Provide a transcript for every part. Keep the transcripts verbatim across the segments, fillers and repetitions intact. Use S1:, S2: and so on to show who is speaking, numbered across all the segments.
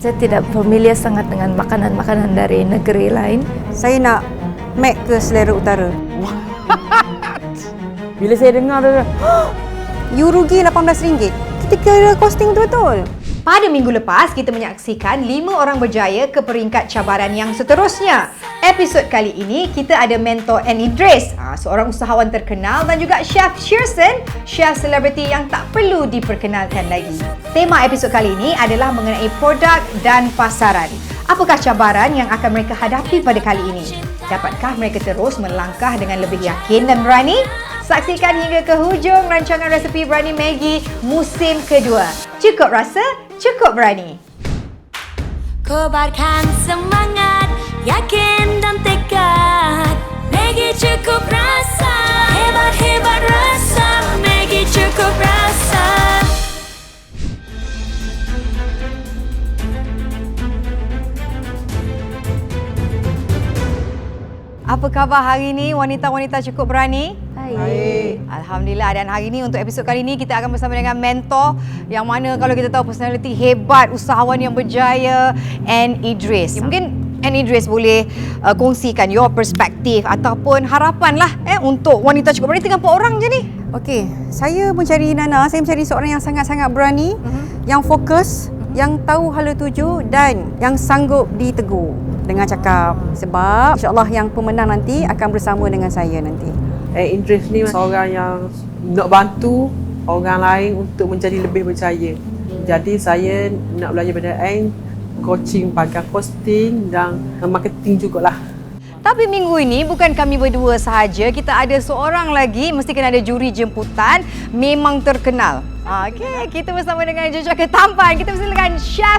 S1: Saya tidak familiar sangat dengan makanan-makanan dari negeri lain.
S2: Saya nak Mac ke selera utara.
S3: Bila saya dengar tu,
S2: You rugi lapan belas ringgit. Kita kira costing betul-betul.
S4: Pada minggu lepas, kita menyaksikan lima orang berjaya ke peringkat cabaran yang seterusnya. Episod kali ini, kita ada mentor Anne Idris, seorang usahawan terkenal, dan juga Chef Shearson, chef selebriti yang tak perlu diperkenalkan lagi. Tema episod kali ini adalah mengenai produk dan pasaran. Apakah cabaran yang akan mereka hadapi pada kali ini? Dapatkah mereka terus melangkah dengan lebih yakin dan berani? Saksikan hingga ke hujung rancangan resepi Berani Maggi musim kedua. Cukup rasa, cukup berani.
S5: Kobarkan semangat, yakin dan tekad. Maggi cukup rasa, hebat-hebat rasa. Maggi cukup rasa.
S4: Apa khabar hari ini wanita-wanita cukup berani?
S1: Baik.
S4: Alhamdulillah, dan hari ini untuk episod kali ini kita akan bersama dengan mentor yang mana kalau kita tahu personality hebat, usahawan yang berjaya, Anne Idris. Mungkin Anne Idris boleh uh, kongsikan your perspektif ataupun harapan lah eh, untuk wanita cukup berani. Tinggal empat orang je ni.
S2: Okey, saya mencari Nana, saya mencari seorang yang sangat-sangat berani, uh-huh. yang fokus, uh-huh. yang tahu hala tuju dan yang sanggup ditegur dengan cakap. Sebab insya-Allah yang pemenang nanti akan bersama dengan saya nanti.
S3: eh, Idris ni seorang yang nak bantu orang lain untuk menjadi lebih berjaya. Jadi saya nak belajar pada Ain, coaching pakai posting dan marketing jugalah.
S4: Tapi minggu ini bukan kami berdua sahaja, kita ada seorang lagi, mesti kena ada juri jemputan, memang terkenal. Okey, kita bersama dengan jejaka tampan, kita bersama dengan Chef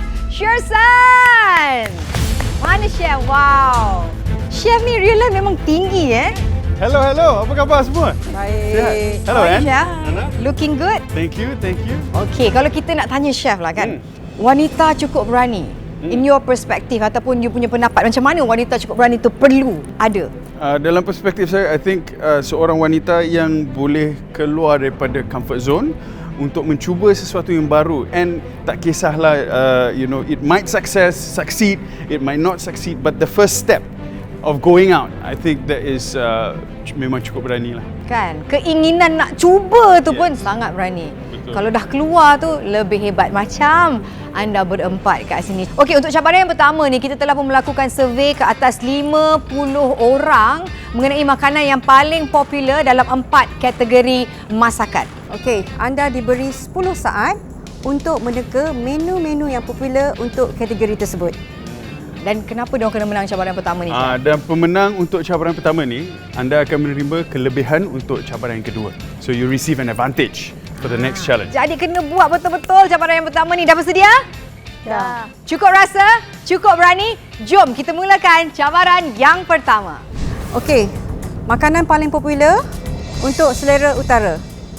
S4: Shearson. Mana Chef? Wow. Chef ni real life memang tinggi eh.
S6: Hello, hello. Apa khabar semua?
S2: Baik.
S6: Sihat? Hello,
S4: How are you,
S6: Anne.
S4: Chef?
S6: Nana.
S4: Looking good?
S6: Thank you, thank you.
S4: Okey, kalau kita nak tanya Chef lah kan,
S6: Hmm.
S4: wanita cukup berani,
S6: Hmm.
S4: in your perspective ataupun you punya pendapat, macam mana wanita cukup berani tu perlu ada?
S6: Uh, dalam perspektif saya, I think uh, seorang wanita yang boleh keluar daripada comfort zone untuk mencuba sesuatu yang baru, and tak kisahlah uh, you know, it might success, succeed, it might not succeed, but the first step of going out, I think that is uh, memang cukup berani lah.
S4: Kan, keinginan nak cuba tu
S6: Yeah.
S4: pun sangat berani.
S6: Betul.
S4: Kalau dah keluar tu lebih hebat, macam anda berempat kat sini. Okey, untuk cabaran yang pertama ni, kita telah pun melakukan survey ke atas lima puluh orang mengenai makanan yang paling popular dalam empat kategori masakan.
S2: Okey, anda diberi sepuluh saat untuk meneka menu-menu yang popular untuk kategori tersebut.
S4: Dan kenapa dia kena menang cabaran pertama ni?
S6: Uh, dan pemenang untuk cabaran pertama ni, anda akan menerima kelebihan untuk cabaran yang kedua. So you receive an advantage for the next challenge.
S4: Jadi kena buat betul-betul cabaran yang pertama ni. Dah bersedia?
S1: Dah.
S4: Cukup rasa? Cukup berani? Jom kita mulakan cabaran yang pertama.
S2: Okey, makanan paling popular untuk selera utara.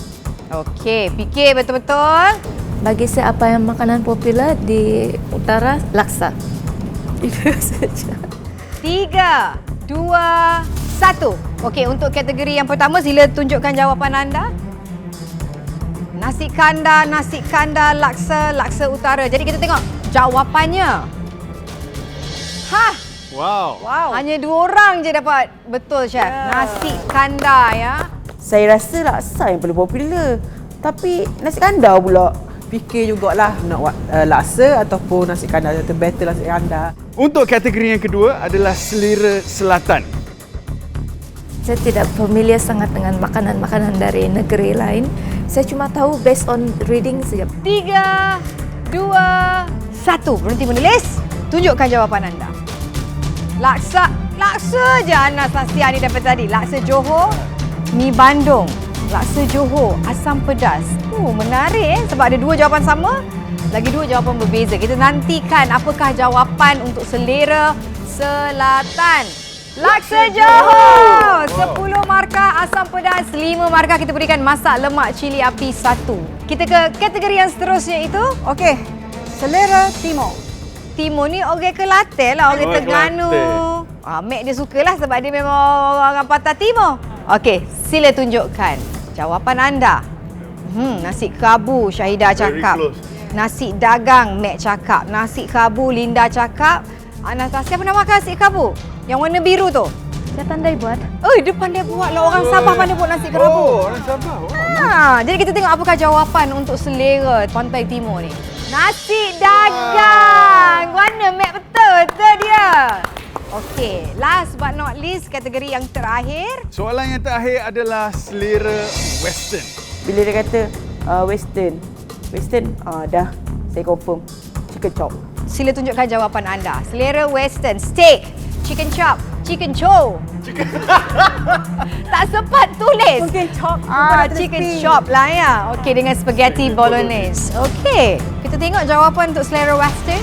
S4: Okey, fikir betul-betul.
S1: Bagi saya apa yang makanan popular di utara? Laksa. Itu saja.
S4: Tiga, dua, satu. Okey, untuk kategori yang pertama, sila tunjukkan jawapan anda. Nasi kandar, nasi kandar, laksa, laksa utara. Jadi kita tengok jawapannya. Hah,
S6: Wow.
S2: Wow.
S4: hanya dua orang je dapat betul, Chef.
S2: Yeah.
S4: Nasi kandar ya.
S3: Saya rasa laksa yang paling popular. Tapi nasi kandar pula. Fikir jugalah nak buat uh, laksa ataupun nasi kandar. Atau better nasi kandar.
S6: Untuk kategori yang kedua adalah selera selatan.
S1: Saya tidak familiar sangat dengan makanan-makanan dari negeri lain. Saya cuma tahu based on reading saja.
S4: Tiga, dua, satu. Berhenti menulis. Tunjukkan jawapan anda. Laksa. Laksa je Anastasia ni daripada tadi. Laksa Johor, mi Bandung. Laksa Johor, asam pedas. Oh, menarik eh. Sebab ada dua jawapan sama. Lagi dua jawapan berbeza. Kita nantikan apakah jawapan untuk selera selatan. Laksa Johor, sepuluh markah, asam pedas lima markah. Kita berikan masak lemak cili api satu. Kita ke kategori yang seterusnya itu.
S2: Okey, selera timur.
S4: Timur ni orang Kelantan lah, orang
S6: Oh,
S4: Terengganu.
S6: Kelantan.
S4: Ah, Mek dia sukalah sebab dia memang orang Patah Timur. Okey, sila tunjukkan jawapan anda. Hmm, nasi kabu, Syahidah
S6: Very
S4: cakap.
S6: close.
S4: Nasi dagang, Mac cakap. Nasi kabu, Linda cakap. Anastasia pernah makan nasi kabu? Yang warna biru tu?
S1: Saya pandai buat.
S4: Oh, dia pandai buat lah. Orang Sabah pandai buat nasi kerabu.
S6: Oh, orang Sabah. Oh.
S4: Ha, jadi kita tengok apakah jawapan untuk selera Pantai Timur ni. Nasi dagang. Warna Mac betul. Betul dia. Okey, last but not least, kategori yang terakhir.
S6: Soalan yang terakhir adalah selera Western.
S7: Bila dia kata uh, western, western uh, dah saya confirm chicken chop.
S4: Sila tunjukkan jawapan anda. Selera Western, steak, chicken chop, chicken chow. Tak sempat tulis.
S2: Mungkin chop.
S4: Ah, chicken chop lah ya. Okey, dengan spaghetti bolognese. Okey, kita tengok jawapan untuk selera Western.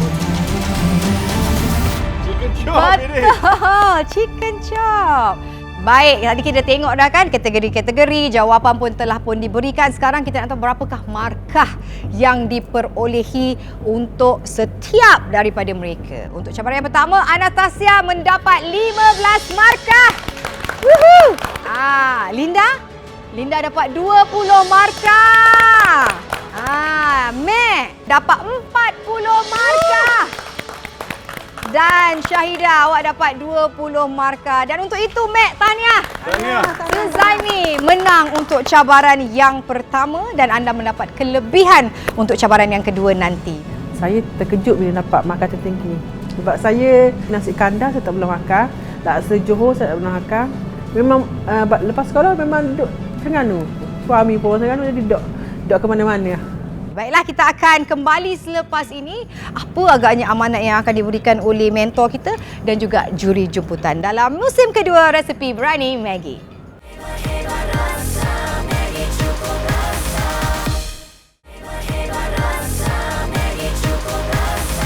S6: Chicken chop ini.
S4: Betul, chicken chop. Baik, tadi kita tengok dah kan kategori-kategori, jawapan pun telah pun diberikan. Sekarang kita nak tahu berapakah markah yang diperolehi untuk setiap daripada mereka. Untuk cabaran yang pertama, Anastasia mendapat lima belas markah. Woohoo! Ah, Linda? Linda dapat dua puluh markah. Ah, Mac dapat empat puluh markah. Dan Syahidah, awak dapat dua puluh markah. Dan untuk itu, Mac, tahniah.
S6: Tahniah.
S4: Suzaimi menang untuk cabaran yang pertama dan anda mendapat kelebihan untuk cabaran yang kedua nanti.
S3: Saya terkejut bila dapat markah tertinggi. Sebab saya nasi kandar saya tak pernah makan. Laksa Johor saya tak pernah makan. Memang uh, lepas sekolah memang duduk Terengganu. Suami pun Terengganu jadi duduk, duduk ke mana-mana.
S4: Baiklah, kita akan kembali selepas ini. Apa agaknya amanat yang akan diberikan oleh mentor kita dan juga juri jemputan dalam musim kedua Resepi Berani Maggi.
S5: Hebat rasa Maggi cukup rasa. Hebat rasa Maggi cukup rasa.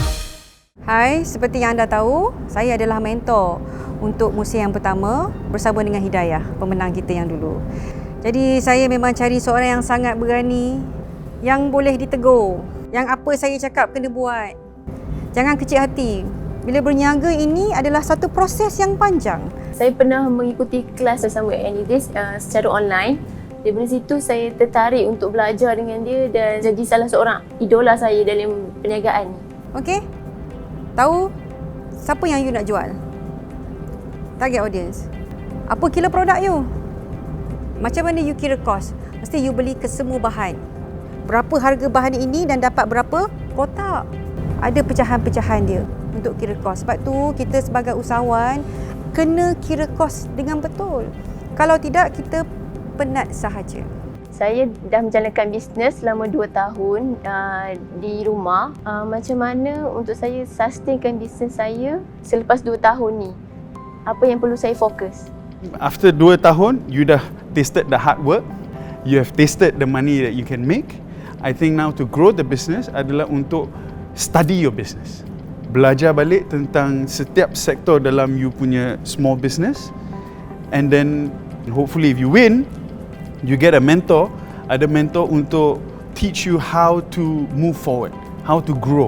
S2: Hai, seperti yang anda tahu, saya adalah mentor untuk musim yang pertama bersama dengan Hidayah, pemenang kita yang dulu. Jadi saya memang cari seorang yang sangat berani, yang boleh ditegur, yang apa saya cakap kena buat. Jangan kecil hati. Bila berniaga ini adalah satu proses yang panjang.
S8: Saya pernah mengikuti kelas bersama Anidris uh, secara online. Dari situ saya tertarik untuk belajar dengan dia dan jadi salah seorang idola saya dalam perniagaan.
S2: Okey? Tahu siapa yang you nak jual? Target audience. Apa kira produk you? Macam mana you kira cost? Mesti you beli ke semua bahan. Berapa harga bahan ini dan dapat berapa kotak. Ada pecahan-pecahan dia untuk kira kos. Sebab tu kita sebagai usahawan kena kira kos dengan betul. Kalau tidak, kita penat sahaja.
S8: Saya dah menjalankan bisnes selama dua tahun uh, di rumah. Uh, macam mana untuk saya sustainkan bisnes saya selepas dua tahun ni? Apa yang perlu saya fokus?
S6: After dua tahun, you dah tasted the hard work. You have tasted the money that you can make. I think now to grow the business adalah untuk study your business. Belajar balik tentang setiap sektor dalam you punya small business. And then hopefully if you win, you get a mentor. Ada mentor untuk teach you how to move forward, how to grow.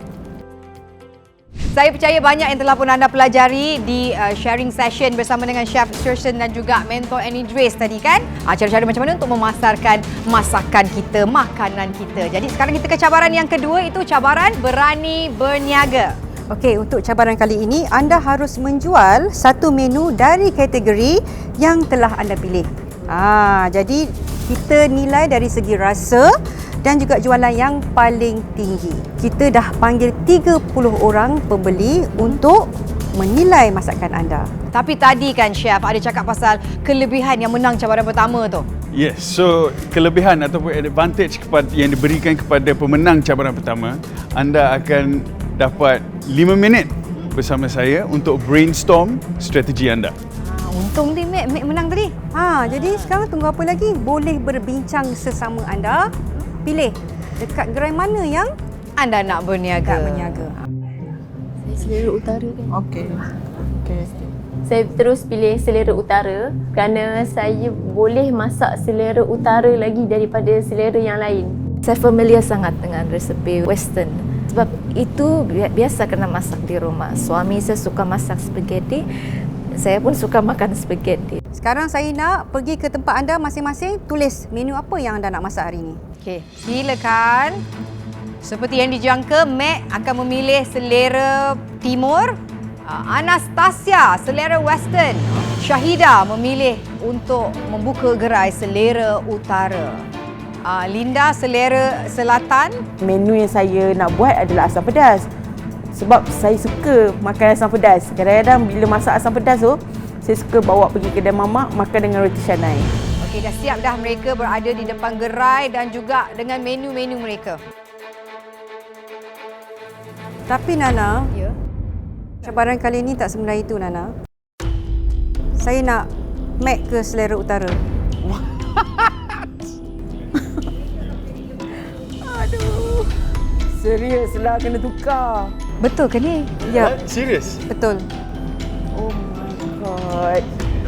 S4: Saya percaya banyak yang telah pun anda pelajari di uh, sharing session bersama dengan Chef Shearson dan juga mentor Anidris tadi kan. Uh, cara-cara macam mana untuk memasarkan masakan kita, makanan kita. Jadi sekarang kita ke cabaran yang kedua, itu cabaran berani berniaga.
S2: Okey, untuk cabaran kali ini anda harus menjual satu menu dari kategori yang telah anda pilih. Ah, jadi kita nilai dari segi rasa dan juga jualan yang paling tinggi. Kita dah panggil tiga puluh orang pembeli untuk menilai masakan anda.
S4: Tapi tadi kan Chef ada cakap pasal kelebihan yang menang cabaran pertama tu.
S6: Yes, so kelebihan ataupun advantage kepada, yang diberikan kepada pemenang cabaran pertama, anda akan dapat lima minit bersama saya untuk brainstorm strategi anda.
S4: Ha, untung dia Mac, Mac menang tadi.
S2: Ha, jadi sekarang tunggu apa lagi? Boleh berbincang sesama anda. Pilih dekat gerai mana yang
S4: Anda nak berniaga.
S2: dekat berniaga.
S8: Saya selera utara kan.
S3: Okey. Okey.
S8: Saya terus pilih selera utara kerana saya boleh masak selera utara lagi daripada selera yang lain.
S1: Saya familiar sangat dengan resepi Western. Sebab itu biasa kena masak di rumah. Suami saya suka masak spaghetti. Saya pun suka makan spaghetti.
S2: Sekarang saya nak pergi ke tempat anda masing-masing, tulis menu apa yang anda nak masak hari ini.
S4: Okey, silakan. Seperti yang dijangka, Mac akan memilih selera timur, Anastasia selera western, Syahida memilih untuk membuka gerai selera utara, Linda selera selatan.
S7: Menu yang saya nak buat adalah asam pedas. Sebab saya suka makan asam pedas. Kadang-kadang bila masak asam pedas tu, saya suka bawa pergi kedai mamak, makan dengan roti canai.
S4: Okey, dah siap dah mereka berada di depan gerai dan juga dengan menu-menu mereka.
S2: Tapi Nana,
S4: Ya.
S2: cabaran kali ini tak semudah itu Nana. Saya nak Mac ke selera utara.
S7: Aduh. Serius lah kena tukar.
S4: Betul ke ni?
S2: Ya,
S6: What? Serius?
S2: betul.
S7: Oh my god.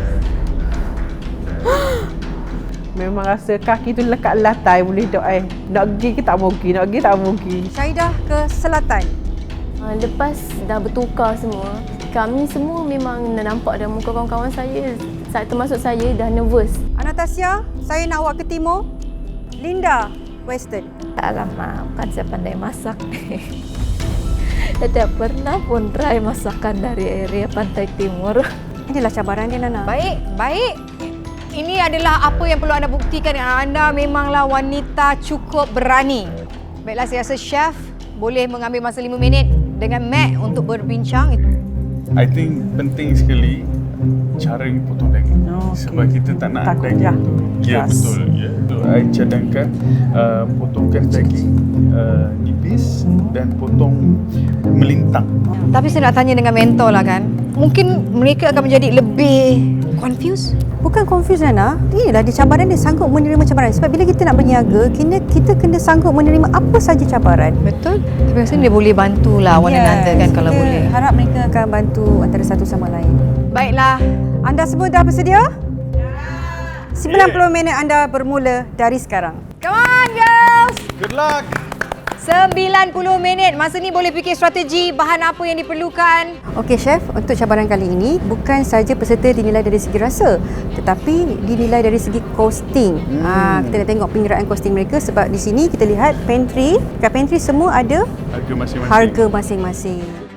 S3: Memang rasa kaki tu lekat lantai boleh dok eh. Nak pergi ke tak mau pergi, nak pergi tak mau pergi.
S2: Syahidah ke selatan.
S8: Uh, lepas dah bertukar semua, kami semua memang nampak dah muka kawan-kawan saya, saya termasuk saya dah nervous.
S2: Anastasia, saya nak awak ke timur. Linda, western.
S1: Alamak, bukan saya pandai masak. Saya tak pernah pun try masakan dari area Pantai Timur.
S2: Inilah cabaran dia Nana.
S4: Baik, baik. Ini adalah apa yang perlu anda buktikan. Anda memanglah wanita cukup berani. Baiklah, saya rasa chef boleh mengambil masa lima minit dengan Mac untuk berbincang.
S6: I think penting sekali cara you potong daging.
S7: Oh, okay.
S6: Sebab kita tak nak
S3: Takut
S6: daging
S3: je.
S6: tu. Ya,
S3: Yes.
S6: betul. Ya. So, I cadangkan uh, potongkan daging uh, nipis dan potong melintang.
S4: Tapi saya nak tanya dengan mentor lah kan. Mungkin mereka akan menjadi lebih confused.
S2: Bukan confuse Nana. Inilah dia cabaran dia, sanggup menerima cabaran. Sebab bila kita nak berniaga, kita, kita kena sanggup menerima apa saja cabaran.
S4: Betul. Tapi rasanya dia boleh bantulah one another kan kalau
S2: kita
S4: boleh.
S2: harap mereka akan bantu antara satu sama lain.
S4: Baiklah.
S2: Anda semua dah bersedia? sembilan puluh minit anda bermula dari sekarang.
S4: Come on girls.
S6: Good luck!
S4: sembilan puluh minit. Masa ni boleh fikir strategi, bahan apa yang diperlukan.
S2: Okey chef, untuk cabaran kali ini bukan saja peserta dinilai dari segi rasa, tetapi dinilai dari segi costing. Hmm. Ah, kita nak tengok pengiraan costing mereka sebab di sini kita lihat pantry, kat pantry semua ada
S6: Harga masing-masing.
S2: harga masing-masing.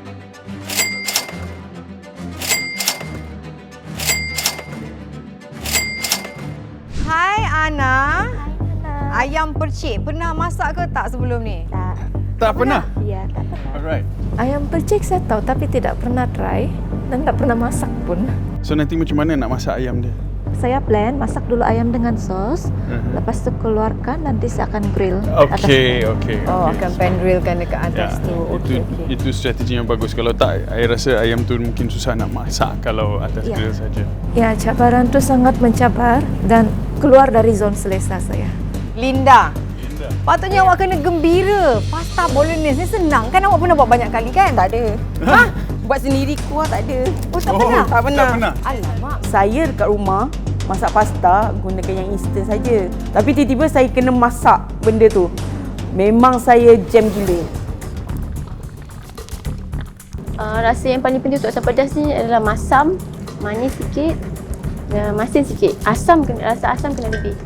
S4: Hai Ana. Ayam percik, pernah masak ke tak sebelum ni?
S1: Tak.
S6: Tak pernah?
S1: Ya, tak pernah.
S6: Alright.
S1: Ayam percik saya tahu tapi tidak pernah try dan tak pernah masak pun.
S6: So nanti macam mana nak masak ayam dia?
S1: Saya blend, masak dulu ayam dengan sos,
S6: Mhm.
S1: lepas tu keluarkan, nanti saya akan grill atas.
S6: Okey, okey.
S4: Oh,
S6: okey.
S4: akan pan grillkan dekat
S6: Ya,
S4: atas tu. Okey,
S6: itu
S4: okey.
S6: itu strategi yang bagus. Kalau tak, saya rasa ayam tu mungkin susah nak masak kalau atas
S1: Ya.
S6: grill saja.
S1: Ya, cabaran tu sangat mencabar dan keluar dari zon selesa saya.
S4: Linda. Patutnya awak kena gembira. Pasta bolognese ni senang kan? Awak pernah buat banyak kali kan?
S7: Tak ada.
S4: Ha?
S7: Buat sendiri kuah tak ada.
S4: Oh, tak
S6: Oh,
S4: pernah?
S7: Tak pernah.
S6: Tak pernah.
S4: Alamak.
S7: Saya dekat rumah masak pasta gunakan yang instant saja. Tapi tiba-tiba saya kena masak benda tu. Memang saya jam gila.
S8: Uh, rasa yang paling penting untuk asam pedas ni adalah masam, manis sikit, dan masin sikit. Asam kena, rasa asam kena lebih.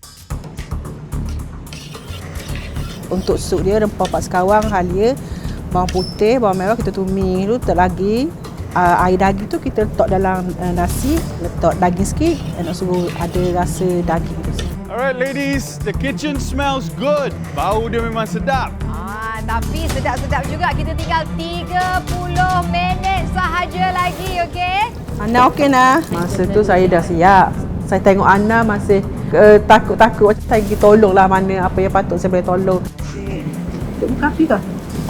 S3: Untuk sup dia rempah pak sekawang, halia, bawang putih, bawang merah kita tumis dulu, letak lagi. Uh, air daging tu kita letak dalam uh, nasi, letak daging sikit dan nak suruh ada rasa daging tu.
S6: Alright ladies, the kitchen smells good. Bau dia memang sedap.
S4: Ah, tapi sedap-sedap juga. Kita tinggal tiga puluh minit sahaja lagi, okey?
S3: Ana okey nah. Masa tu saya dah siap. Saya tengok Ana masih uh, takut-takut. Saya pergi tolonglah mana apa yang patut saya boleh tolong. Untuk buka api ke?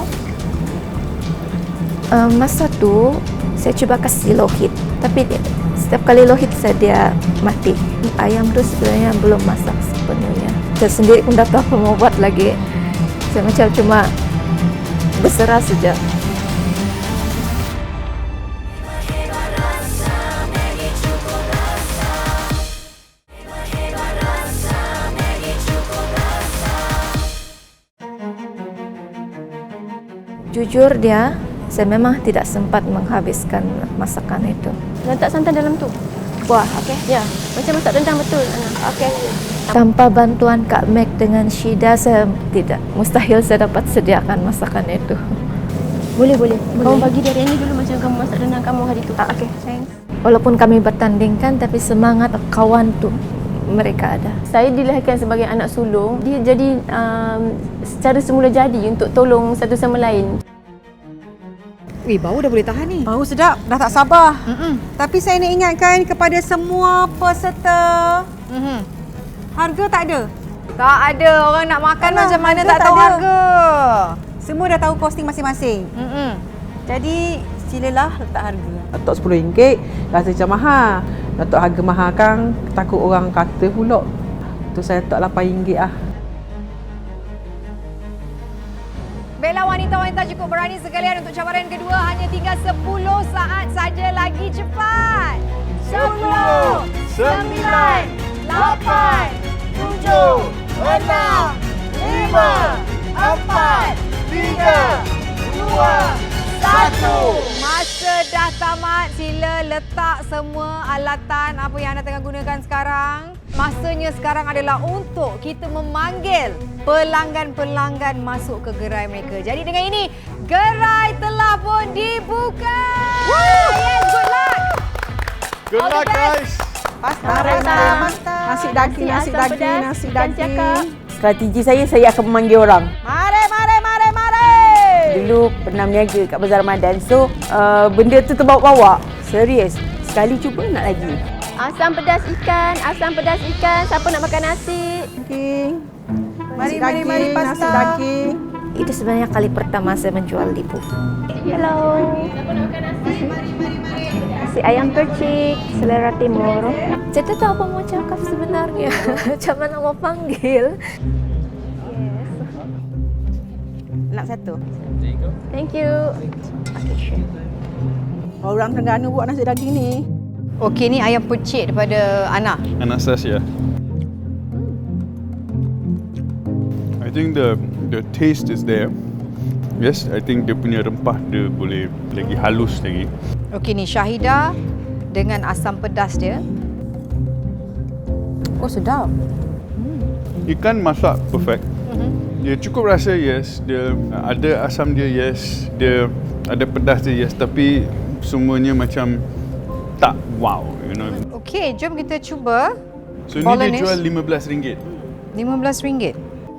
S1: Uh, masa tu saya cuba kasih low heat, tapi dia, setiap kali low heat saya dia mati. Ayam tu sebenarnya belum masak sepenuhnya. Saya sendiri pun tak tahu apa mau buat lagi. Saya macam cuma berserah saja. Jujur dia, saya memang tidak sempat menghabiskan masakan itu.
S8: Letak santan dalam tu.
S1: Wah, okey.
S8: Ya, macam masak rendang betul. Ana.
S1: Okey. Tanpa bantuan Kak Meg dengan Syida, saya tidak, mustahil saya dapat sediakan masakan itu.
S8: Boleh, boleh. Kamu bagi dari ini dulu macam kamu masak rendang kamu hari tu.
S2: Ah, okay, thanks.
S1: Walaupun kami bertandingkan, tapi semangat kawan tu mereka ada.
S8: Saya dilahirkan sebagai anak sulung. Dia jadi um, secara semula jadi untuk tolong satu sama lain.
S4: Wih, bau dah boleh tahan ni.
S2: Bau sedap, dah tak sabar.
S4: Mm-mm.
S2: Tapi saya nak ingatkan kepada semua peserta,
S4: Mm-hmm.
S2: harga tak ada.
S4: Tak ada. Orang nak makan
S2: Alah,
S4: macam mana
S2: harga
S4: tak
S2: tak
S4: tahu
S2: ada.
S4: harga.
S2: Semua dah tahu kosting masing-masing.
S4: Mm-mm.
S2: Jadi silalah letak harga.
S3: Datuk sepuluh ringgit rasa macam mahal. Datuk harga mahal kan takut orang kata pula. Tu saya letak lapan ringgit lah.
S4: Baiklah wanita-wanita, cukup berani sekalian untuk cabaran kedua. Hanya tinggal sepuluh saat saja lagi. Cepat. sepuluh, sembilan, lapan, tujuh, enam, lima, empat, tiga, dua, satu. Masa dah tamat. Sila letak semua alatan apa yang anda tengah gunakan sekarang. Masanya sekarang adalah untuk kita memanggil pelanggan-pelanggan masuk ke gerai mereka. Jadi dengan ini, gerai telah pun dibuka. Yes, good luck.
S6: Good
S4: All the
S6: luck,
S4: best.
S6: guys.
S2: Pasta,
S8: Pasta,
S2: pasta.
S3: Nasi daging, nasi
S8: asam
S3: daging,
S8: pedas,
S3: nasi
S8: ikan
S3: daging.
S8: cakap.
S7: Strategi saya, saya akan memanggil orang.
S3: Mari, mari, mari, mari.
S7: Dulu pernah berniaga kat Bazar Ramadan. So, uh, benda tu terbawa-bawa. Serius. Sekali cuba, nak lagi.
S8: Asam pedas ikan, asam pedas ikan. Siapa nak makan nasi?
S3: Daging.
S2: Mari,
S3: Nasi
S2: mari, mari,
S3: daging,
S2: pasta.
S3: Nasi daging.
S1: Itu sebenarnya kali pertama saya menjual di Puf.
S8: Hello. Siapa nak makan nasi? Nasi ayam percik, selera timur.
S1: Saya tak tahu apa mau cakap sebenarnya. Macam mana mau panggil.
S7: Nak satu.
S8: Thank you.
S3: Orang Terengganu buat nasi daging ni.
S4: Okey, ni ayam percik daripada Ana.
S6: Anastasia. I think the the taste is there. Yes, I think dia punya rempah dia boleh lagi halus lagi.
S4: Okey, ni Syahida dengan asam pedas dia.
S2: Oh, sedap.
S6: Ikan masak perfect. Dia cukup rasa, yes. Dia ada asam dia, yes. Dia ada pedas dia, yes. Tapi semuanya macam tak wow, you know.
S4: Okey, jom kita cuba.
S6: So ni
S4: Bolognese.
S6: dia jual lima belas ringgit.
S4: lima belas ringgit.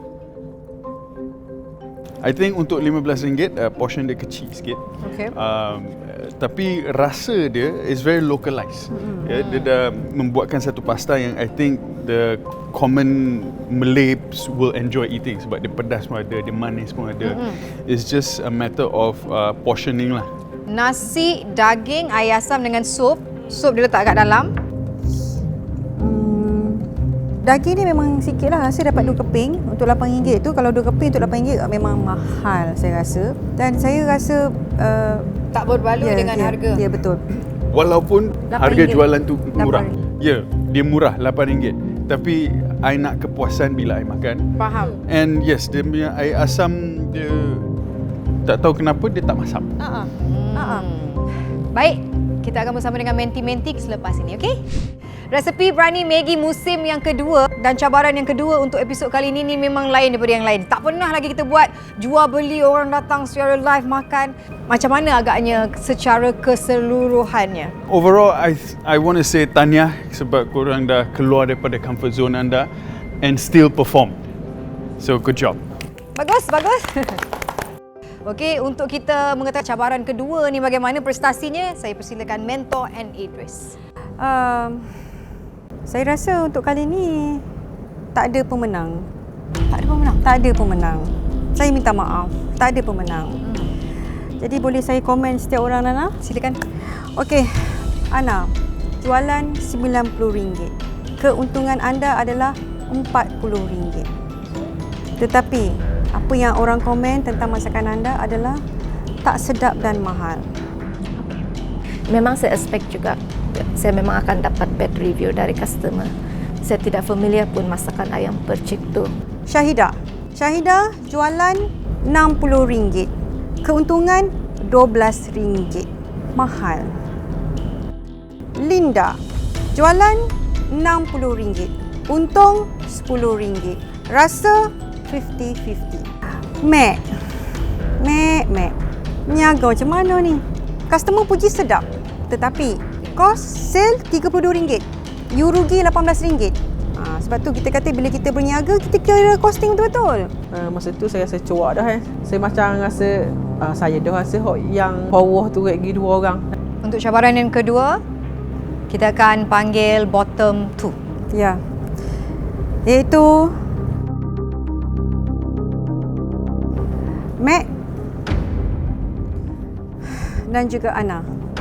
S6: I think untuk lima belas ringgit, uh, portion dia kecil sikit.
S4: Okey.
S6: Um, uh, tapi rasa dia is very localized. Mm-hmm. Yeah, dia dah membuatkan satu pasta yang I think the common Malays will enjoy eating sebab dia pedas pun ada, dia manis pun ada. Mm-hmm. It's just a matter of uh, portioning lah.
S4: Nasi, daging, air asam dengan sup. Sup dia letak kat dalam.
S2: Hmm, daging ni memang sikit lah. Saya dapat dua keping untuk lapan ringgit tu. Kalau dua keping untuk lapan ringgit memang mahal saya rasa. Dan saya rasa uh,
S4: Tak berbaloi
S2: ya,
S4: dengan
S2: ya,
S4: harga.
S2: Ya, betul.
S6: Walaupun
S2: lapan
S6: harga
S2: ringgit.
S6: jualan tu murah.
S2: lapan
S6: Ya, yeah, dia murah lapan ringgit. Tapi I nak kepuasan bila I makan.
S4: Faham.
S6: And yes, dia punya air asam dia tak tahu kenapa dia tak masam.
S2: Uh-uh.
S4: Hmm.
S2: Uh-uh.
S4: Baik, kita akan bersama dengan menti-menti selepas ini, okey? Resepi Brani Maggi musim yang kedua dan cabaran yang kedua untuk episod kali ini ni memang lain daripada yang lain. Tak pernah lagi kita buat jual beli, orang datang secara live makan. Macam mana agaknya secara keseluruhannya?
S6: Overall, I I want to say tahniah sebab korang dah keluar daripada comfort zone anda and still perform. So good job.
S4: Bagus, bagus. Okey, untuk kita mengetahui cabaran kedua ni bagaimana prestasinya, saya persilakan mentor N. Idris.
S2: Um, saya rasa untuk kali ni tak ada pemenang. Tak ada pemenang? Tak ada pemenang. Saya minta maaf. Tak ada pemenang. Jadi boleh saya komen setiap orang, Nana?
S4: Silakan.
S2: Okey, Ana, jualan sembilan puluh ringgit. Keuntungan anda adalah empat puluh ringgit. Tetapi, apa yang orang komen tentang masakan anda adalah tak sedap dan mahal.
S1: Memang saya expect juga, saya memang akan dapat bad review dari customer. Saya tidak familiar pun masakan ayam percik tu.
S2: Syahida, Syahida jualan enam puluh ringgit. Keuntungan dua belas ringgit. Mahal. Linda, jualan enam puluh ringgit. Untung sepuluh ringgit. Rasa fifty fifty. Mek. Mek, Mek. Niaga macam mana ni? Customer puji sedap. Tetapi kos sale tiga puluh dua ringgit. You rugi lapan belas ringgit. Ha, sebab tu kita kata bila kita berniaga, kita kira costing betul-betul.
S3: Uh, masa tu saya rasa cuak dah eh. Saya macam rasa uh, saya dah rasa hok yang bawah tu lagi dua orang.
S4: Untuk cabaran yang kedua, kita akan panggil bottom two.
S2: Ya. Iaitu Mac dan juga Ana.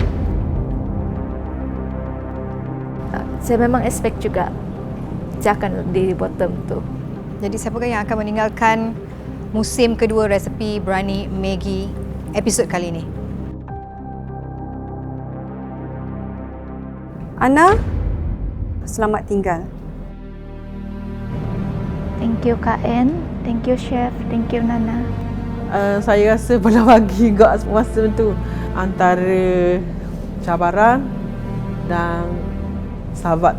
S1: Saya memang expect juga dia akan di bottom tu.
S4: Jadi siapakah yang akan meninggalkan musim kedua resepi Berani Maggi episod kali ini?
S2: Ana, selamat tinggal.
S1: Thank you Kak En, thank you Chef, thank you Nana.
S3: Uh, saya rasa pernah bagi gak masa tu antara cabaran dan sahabat.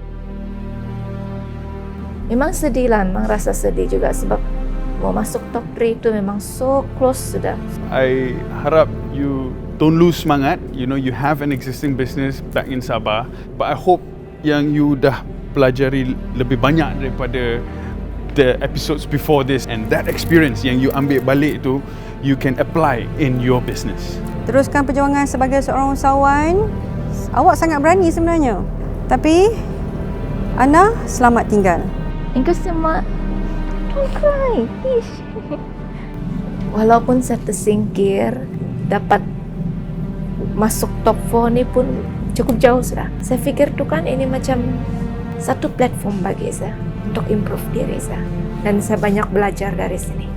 S1: Memang sedih lah, memang rasa sedih juga sebab mau masuk top three tu memang so close sudah.
S6: I harap you don't lose semangat. You know, you have an existing business back in Sabah, but I hope yang you dah pelajari lebih banyak daripada the episodes before this, and that experience yang you ambil balik tu you can apply in your business.
S2: Teruskan perjuangan sebagai seorang usahawan. Awak sangat berani sebenarnya. Tapi Ana, selamat tinggal.
S1: Thank you so much. Don't cry. Ish. Walaupun saya tersingkir, dapat masuk top four ni pun cukup jauh sudah. Saya fikir tu kan ini macam satu platform bagi saya untuk improve diri saya. Dan saya banyak belajar dari sini.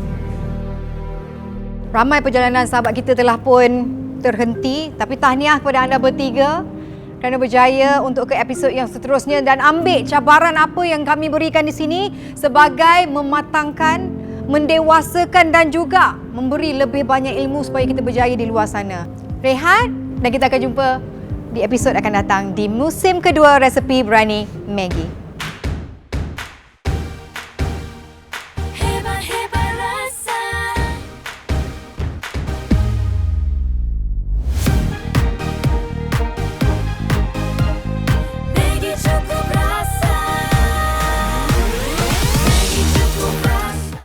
S4: Ramai perjalanan sahabat kita telah pun terhenti, tapi tahniah kepada anda bertiga kerana berjaya untuk ke episod yang seterusnya dan ambil cabaran apa yang kami berikan di sini sebagai mematangkan, mendewasakan dan juga memberi lebih banyak ilmu supaya kita berjaya di luar sana. Rehat dan kita akan jumpa di episod akan datang di musim kedua resepi Berani Maggi.